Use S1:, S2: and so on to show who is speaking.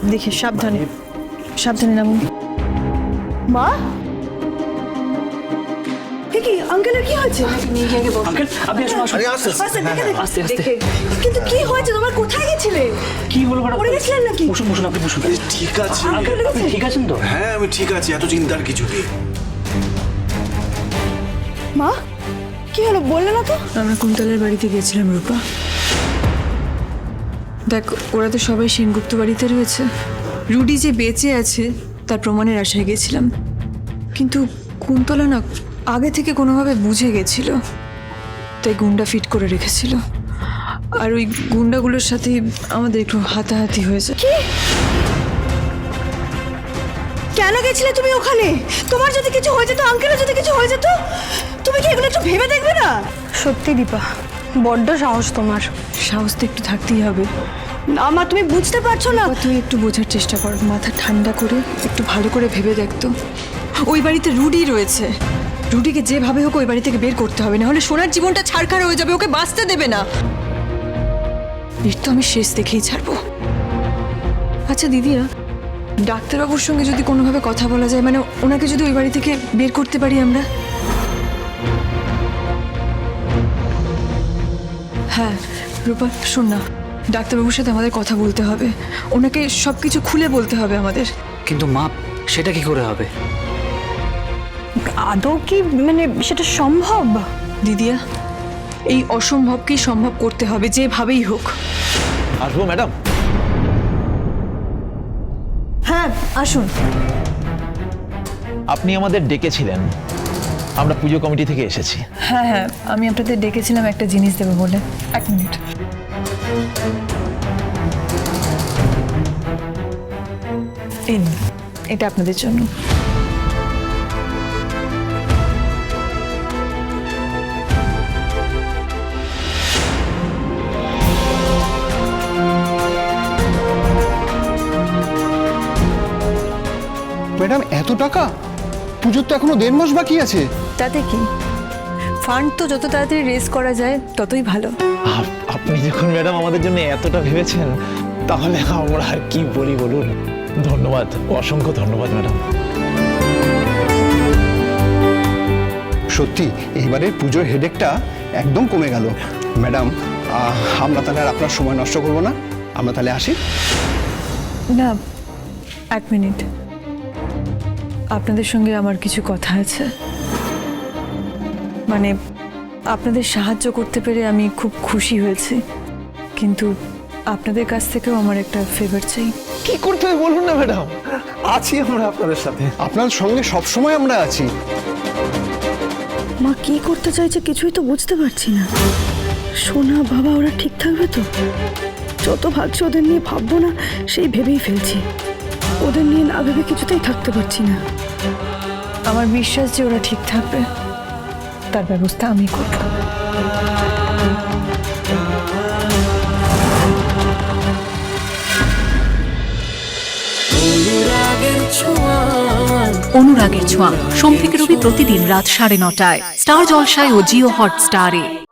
S1: দেখি সাবধানে সাবধানে নামুন। মা কি আঙ্কেলের কি হয়েছে?
S2: আঙ্কেল আপনি আসুন আসুন।
S3: আরে আস্তে আস্তে।
S2: আস্তে আস্তে।
S1: কিন্তু কি হয়েছে তোমার? কোথায় গেছিলে?
S2: কি হলো ম্যাডাম?
S1: পড়ে গেছিলেন নাকি?
S2: বসুন বসুন, আপনি বসুন।
S3: ঠিক আছে।
S2: আঙ্কেল আপনি ঠিক আছেন তো?
S3: হ্যাঁ আমি ঠিক আছি, এত চিন্তার কিছু নেই।
S1: মা কি হলো বললে না তো?
S4: আমরা কুন্তলের বাড়িতে গেছিলাম রূপা। দেখ, ওরা তো সবাই সেনগুপ্ত বাড়িতে রয়েছে। রুডি যে বেঁচে আছে তার প্রমাণের আশায় গেছিলাম, কিন্তু কুন্তলা না আগে থেকে কোনোভাবে বুঝে গেছিল, তাই গুন্ডা ফিট করে রেখেছিল। আর ওই গুন্ডাগুলোর সাথে আমাদের একটু হাতাহাতি হয়েছে।
S1: কেন গেছিলে তুমি ওখানে? তোমার যদি কিছু হয়ে যেত, আঙ্কেলের যদি কিছু হয়ে যেত, তুমি কি এগুলো একটু ভেবে দেখবে না?
S5: সত্যি দীপা, বড্ড সাহস তোমার।
S4: সাহস তো একটু থাকতেই হবে।
S1: না মা, তুমি বুঝতে পারছো না।
S4: বাবা, তুই একটু বোঝার চেষ্টা কর, মাথা ঠান্ডা করে একটু ভালো করে ভেবে দেখতো। ওই বাড়িতে রুডি রয়েছে, রুডিকে যেভাবে হোক ওই বাড়ি থেকে বের করতে হবে, না হলে সোনার জীবনটা ছাড়খাড় হয়ে যাবে, ওকে বাঁচতে দেবে না। এর তো আমি শেষ দেখেই ছাড়বো। আচ্ছা দিদিরা, ডাক্তারবাবুর সঙ্গে যদি কোনোভাবে কথা বলা যায়, মানে ওনাকে যদি ওই বাড়ি থেকে বের করতে পারি আমরা। হ্যাঁ রূপা শোন না, ডাক্তারবাবুর সাথে আমাদের কথা বলতে হবে, ওনাকে সব কিছু খুলে বলতে হবে আমাদের।
S2: কিন্তু মা, সেটা কি করে হবে?
S5: আদৌ কি মানে সেটা সম্ভব?
S4: দিদিয়া, এই অসম্ভবকেই সম্ভব করতে হবে যেভাবেই হোক।
S6: আসবো ম্যাডাম?
S1: হ্যাঁ আসুন।
S6: আপনি আমাদের ডেকেছিলেন, আমরা পুজো কমিটি থেকে এসেছি।
S4: হ্যাঁ হ্যাঁ, আমি আপনাদের ডেকেছিলাম একটা জিনিস দেবো বলে। এক মিনিট। এই নিন, এটা আপনাদের জন্য।
S7: ম্যাডাম এত টাকা? পুজোর তো এখনো 1.5 মাস বাকি আছে।
S4: তাতে কি, ফান্ড তো যত তাড়াতাড়ি রেজ করা যায় ততই ভালো।
S6: আপনি যখন ম্যাডাম আমাদের জন্য এতটা ভেবেছেন, তাহলে আমরা আর কি বলি বলুন। ধন্যবাদ, অসংখ্য ধন্যবাদ ম্যাডাম।
S7: সত্যি এইবারের পুজোর হেডেকটা একদম কমে গেল। ম্যাডাম আমরা তাহলে আর আপনার সময় নষ্ট করব না, আমরা তাহলে আসি।
S4: না, এক মিনিট, আপনাদের সঙ্গে আমার কিছু কথা আছে। মানে আপনাদের সাহায্য করতে পেরে আমি খুব খুশি হয়েছি, কিন্তু আপনাদের কাছ থেকেও আমার একটা ফেভার চাই।
S6: কি করতে হবে বলুন না ম্যাডাম, আছি আমরা আপনাদের সাথে।
S7: আপনার সঙ্গে সব সময় আমরা আছি।
S5: মা কি করতে চাইছে কিছুই তো বুঝতে পারছি না। সোনা বাবা ওরা ঠিক থাকবে তো? যত ভাবছি ওদের নিয়ে ভাববো না, সেই ভেবেই ফেলছি। ওদের নিয়ে না ভেবে কিছুতেই থাকতে পারছি না।
S4: আমার বিশ্বাস যে ওরা ঠিক থাকবে, তার ব্যবস্থা আমি করব।
S8: অনুরাগের ছোঁয়া সোম থেকে রবি প্রতিদিন রাত 9:30টায় স্টার জলসায় ও জিও হটস্টারে।